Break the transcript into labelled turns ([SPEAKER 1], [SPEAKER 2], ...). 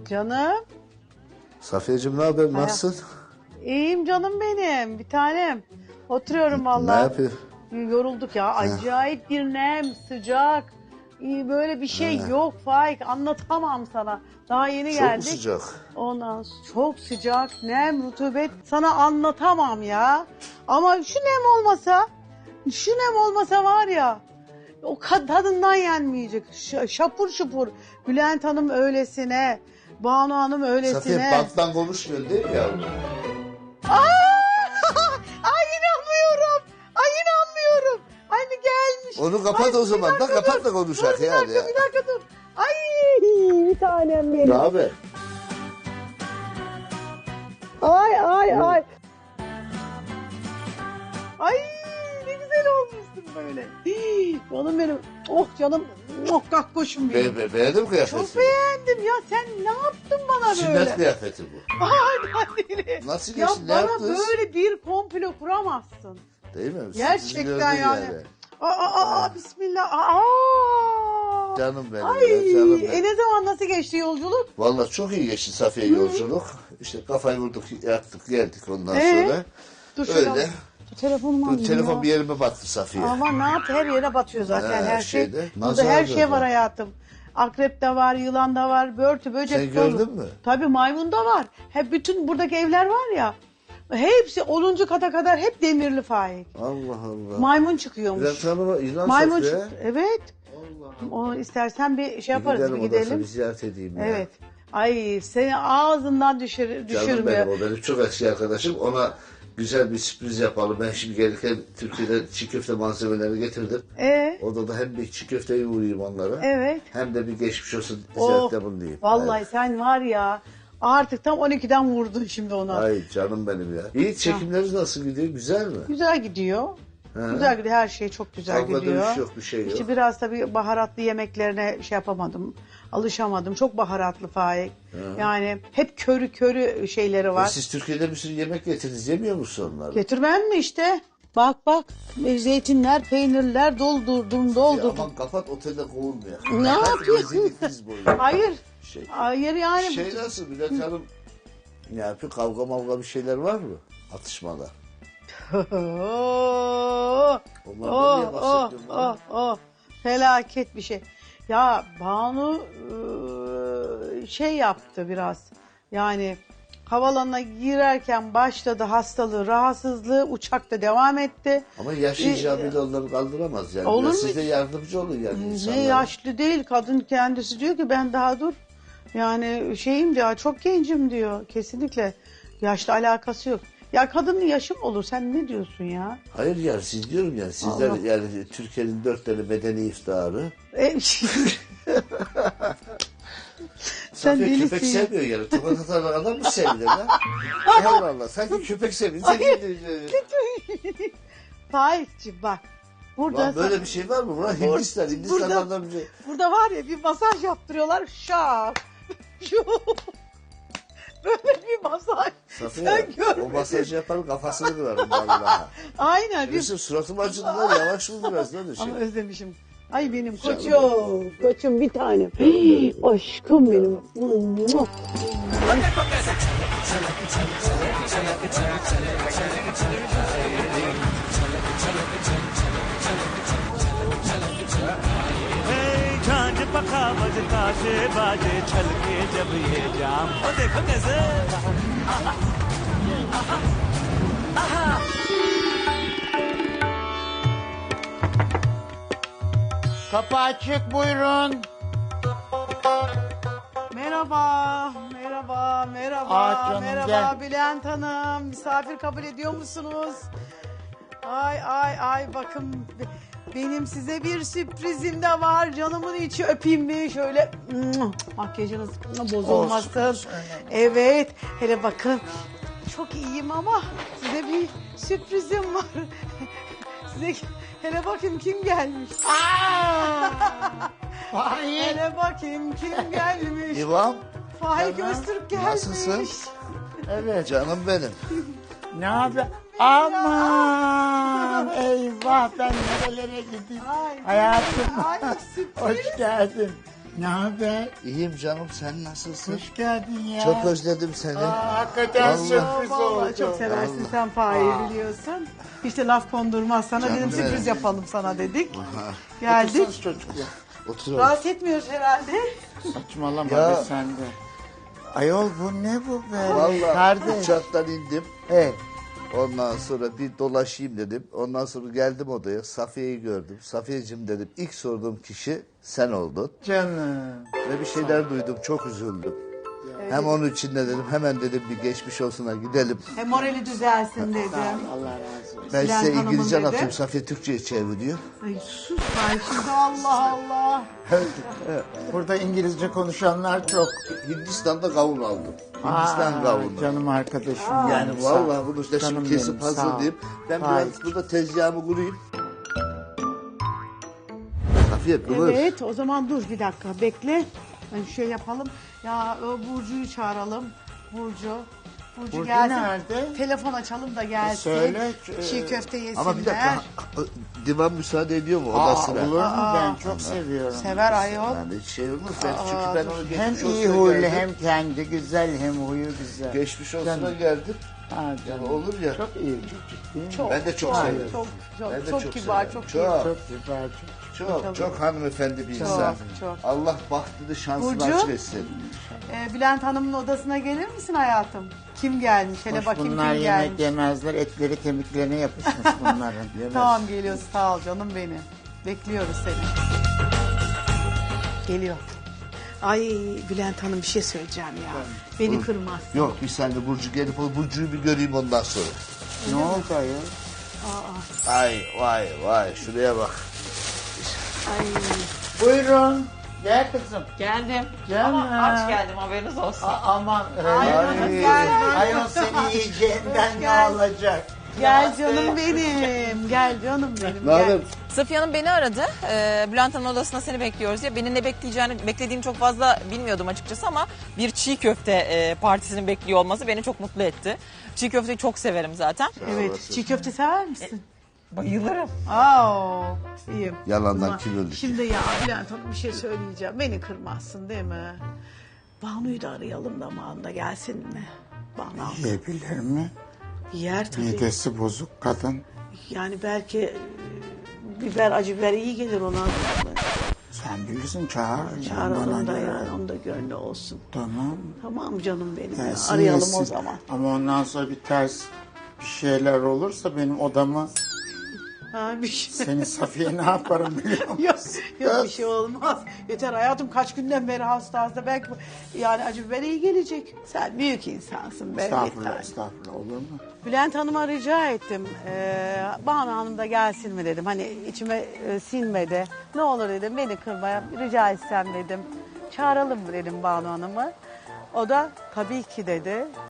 [SPEAKER 1] Canım.
[SPEAKER 2] Safiyeciğim ne haber? Nasılsın?
[SPEAKER 1] İyiyim canım benim. Bir tanem. Oturuyorum
[SPEAKER 2] Ne
[SPEAKER 1] vallahi.
[SPEAKER 2] yapıyorsun?
[SPEAKER 1] Yorulduk ya. Acayip bir nem, sıcak. Böyle bir şey yok Faik. Anlatamam sana. Daha yeni
[SPEAKER 2] Çok
[SPEAKER 1] geldik.
[SPEAKER 2] mu sıcak?
[SPEAKER 1] Ondan çok sıcak, nem, rutubet. Sana anlatamam ya. Ama şu nem olmasa var ya, o tadından yenmeyecek. Şapur şupur. Bülent Hanım öylesine, Banu Hanım öylesine.
[SPEAKER 2] Safiye banttan konuşmuyorsun değil mi yavrum?
[SPEAKER 1] Ay inanmıyorum. Ay inanmıyorum. Anne gelmiş.
[SPEAKER 2] Onu kapat o zaman da kapat da konuşak yani.
[SPEAKER 1] Bir dakika dur. Ay bir tanem benim.
[SPEAKER 2] Ne haber?
[SPEAKER 1] Ay. Ay ne güzel olmuşsun böyle. Canım benim. Oh canım. Oh kakkoşum benim.
[SPEAKER 2] Beğendin mi kıyafetini?
[SPEAKER 1] Çok beğendim ya. Sen ne yaptın bana
[SPEAKER 2] Sünnet
[SPEAKER 1] böyle?
[SPEAKER 2] kıyafeti bu.
[SPEAKER 1] Ay,
[SPEAKER 2] Nasıl
[SPEAKER 1] ya
[SPEAKER 2] geçti? Ne
[SPEAKER 1] bana
[SPEAKER 2] yaptınız?
[SPEAKER 1] böyle bir komplo kuramazsın.
[SPEAKER 2] Değil mi?
[SPEAKER 1] Gerçekten
[SPEAKER 2] Sizi
[SPEAKER 1] yani.
[SPEAKER 2] gördüm
[SPEAKER 1] Bismillah.
[SPEAKER 2] Canım benim
[SPEAKER 1] Ay,
[SPEAKER 2] ya, canım benim.
[SPEAKER 1] ne zaman nasıl geçti yolculuk?
[SPEAKER 2] Vallahi çok iyi geçti Safiye yolculuk. İşte kafayı vurduk, yattık, geldik ondan sonra.
[SPEAKER 1] Dur
[SPEAKER 2] Öyle.
[SPEAKER 1] Telefonumu alayım
[SPEAKER 2] Telefon
[SPEAKER 1] ya.
[SPEAKER 2] bir yerime battı Safiye.
[SPEAKER 1] Ama ne yaptı? Her yere batıyor zaten her şey.
[SPEAKER 2] şeyde,
[SPEAKER 1] Burada
[SPEAKER 2] nazar
[SPEAKER 1] her şey
[SPEAKER 2] gördüm.
[SPEAKER 1] var hayatım. Akrep de var, yılan da var, börtü, böcek
[SPEAKER 2] Sen
[SPEAKER 1] dolu.
[SPEAKER 2] gördün mü?
[SPEAKER 1] Tabii maymun da var. Hep bütün buradaki evler var ya. Hepsi 10. kata kadar hep demirli Faik.
[SPEAKER 2] Allah Allah.
[SPEAKER 1] Maymun çıkıyormuş.
[SPEAKER 2] Bülent Hanım'a ilan
[SPEAKER 1] Maymun
[SPEAKER 2] Safiye.
[SPEAKER 1] çıktı. Evet.
[SPEAKER 2] Allah Allah.
[SPEAKER 1] Onu istersen bir şey yaparız,
[SPEAKER 2] Gidelim
[SPEAKER 1] bir
[SPEAKER 2] odasına,
[SPEAKER 1] gidelim.
[SPEAKER 2] bir ziyaret edeyim ya.
[SPEAKER 1] Evet. Ay seni ağzından
[SPEAKER 2] Canım
[SPEAKER 1] düşürmüyor.
[SPEAKER 2] benim, o benim çok eski arkadaşım. Ona güzel bir sürpriz yapalım. Ben şimdi gelirken Türkiye'den çiğ köfte malzemelerini getirdim. Odada hem bir çiğ köfteye uğrayayım onlara.
[SPEAKER 1] Evet.
[SPEAKER 2] Hem de bir geçmiş olsun
[SPEAKER 1] Oh,
[SPEAKER 2] ziyarette bulunayım.
[SPEAKER 1] vallahi sen var ya artık tam 12'den vurdun şimdi ona.
[SPEAKER 2] Ay canım benim ya. İyi, çekimleriniz nasıl gidiyor? Güzel mi?
[SPEAKER 1] Güzel gidiyor. Güzel gidiyor. Her şey çok güzel
[SPEAKER 2] Kavga
[SPEAKER 1] gidiyor.
[SPEAKER 2] dövüş yok, bir şey yok.
[SPEAKER 1] İşte biraz tabii baharatlı yemeklerine şey yapamadım. Alışamadım. Çok baharatlı Faik. Yani hep körü şeyleri var.
[SPEAKER 2] Siz Türkiye'de bir sürü yemek getirdiniz. Yemiyor musun onları?
[SPEAKER 1] Getirmem mi işte? Bak. Zeytinler, peynirler doldurdum.
[SPEAKER 2] Ya aman kapat, otelde kovulmuyor.
[SPEAKER 1] Ne yapıyorsun?
[SPEAKER 2] Rezillikiniz boyu.
[SPEAKER 1] Hayır.
[SPEAKER 2] Şey.
[SPEAKER 1] Hayır yani.
[SPEAKER 2] Şey nasıl Bülent Hanım? Ne yapıyor? Kavga mavga bir şeyler var mı? Atışmalar. Onlardan niye bahsediyorsun bana?
[SPEAKER 1] Felaket bir şey. Ya Banu şey yaptı biraz. Yani havalanına girerken başladı hastalığı, rahatsızlığı, uçakta devam etti.
[SPEAKER 2] Ama yaş icabıyla onları kaldıramaz yani.
[SPEAKER 1] Olur
[SPEAKER 2] Biraz
[SPEAKER 1] mu?
[SPEAKER 2] siz de yardımcı olun yani insanlara.
[SPEAKER 1] Ne yaşlı değil, kadın kendisi diyor ki ben daha dur. Yani şeyim diyor, çok gencim diyor. Kesinlikle yaşla alakası yok. Ya kadının yaşı mı olur? Sen ne diyorsun ya?
[SPEAKER 2] Hayır yani siz diyorum yani sizler
[SPEAKER 1] Allah.
[SPEAKER 2] yani Türkiye'nin 4 tane medeni iftiharı.
[SPEAKER 1] Sen
[SPEAKER 2] Safiye köpek
[SPEAKER 1] delisin.
[SPEAKER 2] sevmiyor yani. Tokat atan adam mı sevilir lan? Allah Allah. Sanki köpek seviyor.
[SPEAKER 1] Faik'cim bak. Burada
[SPEAKER 2] Lan böyle bir şey var mı? Ulan Hindistan'dan bir şey.
[SPEAKER 1] Burada var ya bir masaj yaptırıyorlar. Şak. Böyle bir masaj.
[SPEAKER 2] Safiye
[SPEAKER 1] Sen görmedin.
[SPEAKER 2] o masajı yaparım kafasını kırarım vallahi.
[SPEAKER 1] Aynen.
[SPEAKER 2] Bizim suratım acıdı lan, yavaş vur biraz lan şey.
[SPEAKER 1] Ama özlemişim. Ay benim
[SPEAKER 2] Canım.
[SPEAKER 1] koçum. Koçum bir tanem. Aşkım benim.
[SPEAKER 3] झांझ पखा बजता से बाजे छलके जब ये जाम ओ देखो कैसे
[SPEAKER 4] Kapı açık, buyurun.
[SPEAKER 1] Merhaba
[SPEAKER 4] Canım,
[SPEAKER 1] merhaba
[SPEAKER 4] gel.
[SPEAKER 1] Bülent Hanım. Misafir kabul ediyor musunuz? Ay bakın benim size bir sürprizim de var. Canımın içi öpeyim bir şöyle. Makyajınız bozulmasın.
[SPEAKER 4] Olsun.
[SPEAKER 1] Evet hele bakın. Çok iyiyim ama size bir sürprizim var. Size hele bakayım kim gelmiş.
[SPEAKER 4] Hayır.
[SPEAKER 1] Hele bakayım kim gelmiş.
[SPEAKER 2] İvan,
[SPEAKER 1] Faik
[SPEAKER 4] Canım,
[SPEAKER 1] Öztürk gelmiş.
[SPEAKER 2] nasılsın?
[SPEAKER 4] Evet.
[SPEAKER 2] Canım benim.
[SPEAKER 4] Ne haber? Aman eyvah, ben nerelere gideyim?
[SPEAKER 1] Ay,
[SPEAKER 4] Hayatım.
[SPEAKER 1] ay, sürpriz.
[SPEAKER 4] Hoş geldin. Ne haber?
[SPEAKER 2] İyiyim canım, sen nasılsın?
[SPEAKER 4] Hoş geldin ya.
[SPEAKER 2] Çok özledim seni.
[SPEAKER 4] Hakikaten
[SPEAKER 2] Vallahi.
[SPEAKER 4] sürpriz
[SPEAKER 1] Vallahi
[SPEAKER 4] oldu.
[SPEAKER 1] çok seversin sen Fahir'i biliyorsun. Hiç de laf kondurmaz sana.
[SPEAKER 2] Canım
[SPEAKER 1] Dedim sürpriz
[SPEAKER 2] benim.
[SPEAKER 1] yapalım sana dedik.
[SPEAKER 2] Aha,
[SPEAKER 1] Geldik.
[SPEAKER 4] Otursanız çocuklar.
[SPEAKER 2] oturalım.
[SPEAKER 1] Rahatsız etmiyoruz herhalde.
[SPEAKER 4] Saçmalama
[SPEAKER 2] Ya.
[SPEAKER 4] be sen de. Ayol bu ne bu be?
[SPEAKER 2] Vallahi
[SPEAKER 4] Kardeş.
[SPEAKER 2] uçaktan indim.
[SPEAKER 4] Evet.
[SPEAKER 2] Ondan sonra bir dolaşayım dedim. Ondan sonra geldim odaya. Safiye'yi gördüm. Safiyeciğim dedim. İlk sorduğum kişi sen oldun.
[SPEAKER 4] Canım.
[SPEAKER 2] Ve bir şeyler duydum. Çok üzüldüm. Hem onun için de dedim. Hemen dedim bir geçmiş olsuna gidelim.
[SPEAKER 1] Hem morali düzelsin dedim.
[SPEAKER 4] Allah razı olsun.
[SPEAKER 2] Ben
[SPEAKER 1] Bülent
[SPEAKER 2] size
[SPEAKER 1] Hanım'ın
[SPEAKER 2] İngilizce
[SPEAKER 1] dedi.
[SPEAKER 2] anlatayım. Safiye Türkçe'ye çeviriyor.
[SPEAKER 1] Ay sus Fahir şimdi Allah Allah.
[SPEAKER 4] Burada İngilizce konuşanlar çok.
[SPEAKER 2] Hindistan'da kavun aldım. Hindistan
[SPEAKER 4] Aa,
[SPEAKER 2] kavunu.
[SPEAKER 4] Canım arkadaşım.
[SPEAKER 2] Yani
[SPEAKER 4] benim,
[SPEAKER 2] vallahi
[SPEAKER 4] sağ ol.
[SPEAKER 2] bunu da
[SPEAKER 4] Canım
[SPEAKER 2] şimdi kesip
[SPEAKER 4] benim, sağ ol.
[SPEAKER 2] hazırlayayım. Ben
[SPEAKER 4] Hayır.
[SPEAKER 2] biraz burada tezgahımı kurayım. Safiye kıvır.
[SPEAKER 1] Evet o zaman dur bir dakika bekle. Ben şey yapalım. Ya o Burcu'yu çağıralım. Burcu
[SPEAKER 4] Burcu
[SPEAKER 1] gelsin.
[SPEAKER 4] nerede?
[SPEAKER 1] Telefon açalım da gelsin.
[SPEAKER 4] söyle,
[SPEAKER 1] Çiğ köfte yesinler.
[SPEAKER 2] Ama bir dakika. Divan müsaade ediyor mu odasına?
[SPEAKER 4] Olur mu? Ben çok seviyorum.
[SPEAKER 1] Sever ayol.
[SPEAKER 2] Yani hiç şey olmaz. Ben, çünkü ben onu
[SPEAKER 4] Hem
[SPEAKER 2] geçmiş
[SPEAKER 4] iyi
[SPEAKER 2] olsuna
[SPEAKER 4] huylu
[SPEAKER 2] geldim.
[SPEAKER 4] hem kendi güzel hem huyu güzel.
[SPEAKER 2] Geçmiş olsuna
[SPEAKER 4] Canım.
[SPEAKER 2] geldim.
[SPEAKER 4] Ha,
[SPEAKER 2] Yani
[SPEAKER 4] canım.
[SPEAKER 2] olur ya.
[SPEAKER 4] Çok iyi çocuk değil mi?
[SPEAKER 1] Çok,
[SPEAKER 2] Ben de çok
[SPEAKER 1] çok,
[SPEAKER 2] severim.
[SPEAKER 1] Çok,
[SPEAKER 2] Ben de
[SPEAKER 1] çok,
[SPEAKER 2] çok
[SPEAKER 1] kibar,
[SPEAKER 2] severim.
[SPEAKER 1] çok
[SPEAKER 2] Çok.
[SPEAKER 1] kibar.
[SPEAKER 4] Çok güzel çok.
[SPEAKER 2] Çok hanımefendi bir insan.
[SPEAKER 1] çok.
[SPEAKER 2] Allah bahtını şansını
[SPEAKER 1] Burcu?
[SPEAKER 2] açık etsin.
[SPEAKER 1] Bülent Hanım'ın odasına gelir misin hayatım? Kim gelmiş? Hele
[SPEAKER 4] Hoş
[SPEAKER 1] bakayım
[SPEAKER 4] bunlar
[SPEAKER 1] kim
[SPEAKER 4] yemek
[SPEAKER 1] gelmiş.
[SPEAKER 4] yemezler. Etleri kemiklerine yapışmış bunların. Yemez.
[SPEAKER 1] Tamam geliyoruz sağ ol canım benim. Bekliyoruz seni. Geliyor. Ay Bülent Hanım bir şey söyleyeceğim ya. Beni kırmaz.
[SPEAKER 2] Yok bir saniye Burcu gelip o Burcu'yu bir göreyim ondan sonra.
[SPEAKER 4] Ne oldu ayol?
[SPEAKER 2] Ay vay vay şuraya bak.
[SPEAKER 1] Ay.
[SPEAKER 4] Buyurun. Gel kızım.
[SPEAKER 5] Geldim.
[SPEAKER 4] Canım.
[SPEAKER 5] Ama aç geldim haberiniz olsun.
[SPEAKER 4] Aman.
[SPEAKER 1] Ay,
[SPEAKER 4] Ayol seni yiyeceğinden ne
[SPEAKER 1] Gel.
[SPEAKER 4] olacak?
[SPEAKER 1] Gel canım benim. Gel canım benim.
[SPEAKER 2] Ne haber?
[SPEAKER 1] Gel.
[SPEAKER 5] Safiye Hanım beni aradı. Bülent Hanım'ın odasında seni bekliyoruz diye. Beni ne beklediğini çok fazla bilmiyordum açıkçası ama bir çiğ köfte partisinin bekliyor olması beni çok mutlu etti. Çiğ köfteyi çok severim zaten.
[SPEAKER 1] Evet. Çiğ köfte sever misin?
[SPEAKER 5] Bayılırım.
[SPEAKER 1] Aa, iyiyim.
[SPEAKER 2] Yalandan
[SPEAKER 1] Ama
[SPEAKER 2] kim öldü?
[SPEAKER 1] Şimdi ya Bülent Hanım bir şey söyleyeceğim. Beni kırmazsın değil mi? Banu'yu da arayalım da Mağında gelsin mi? Banu
[SPEAKER 4] Yiyebilir mi?
[SPEAKER 1] yer tabii.
[SPEAKER 4] Midesi bozuk kadın.
[SPEAKER 1] Yani belki biber, acı biber iyi gelir ona.
[SPEAKER 4] Sen bilirsin çağır.
[SPEAKER 1] Çağıralım
[SPEAKER 4] Bana
[SPEAKER 1] da
[SPEAKER 4] göre.
[SPEAKER 1] yani onun da gönlü olsun.
[SPEAKER 4] Tamam.
[SPEAKER 1] Tamam canım benim. ya.
[SPEAKER 4] Gelsin,
[SPEAKER 1] Arayalım
[SPEAKER 4] yesin.
[SPEAKER 1] o zaman.
[SPEAKER 4] Ama ondan sonra bir ters bir şeyler olursa benim odamı
[SPEAKER 1] Ha, bir şey.
[SPEAKER 4] seni Safiye ne yaparım biliyor musun?
[SPEAKER 1] Yok, yok bir şey olmaz. Yeter hayatım kaç günden beri hasta belki yani acı biber iyi gelecek. Sen büyük insansın be.
[SPEAKER 4] Estağfurullah,
[SPEAKER 1] yeter.
[SPEAKER 4] estağfurullah olur mu?
[SPEAKER 1] Bülent Hanım'a rica ettim. Banu Hanım da gelsin mi dedim. Hani içime sinmedi. Ne olur dedim beni kırmaya rica etsem dedim. Çağıralım mı dedim Banu Hanım'ı. O da tabii ki dedi.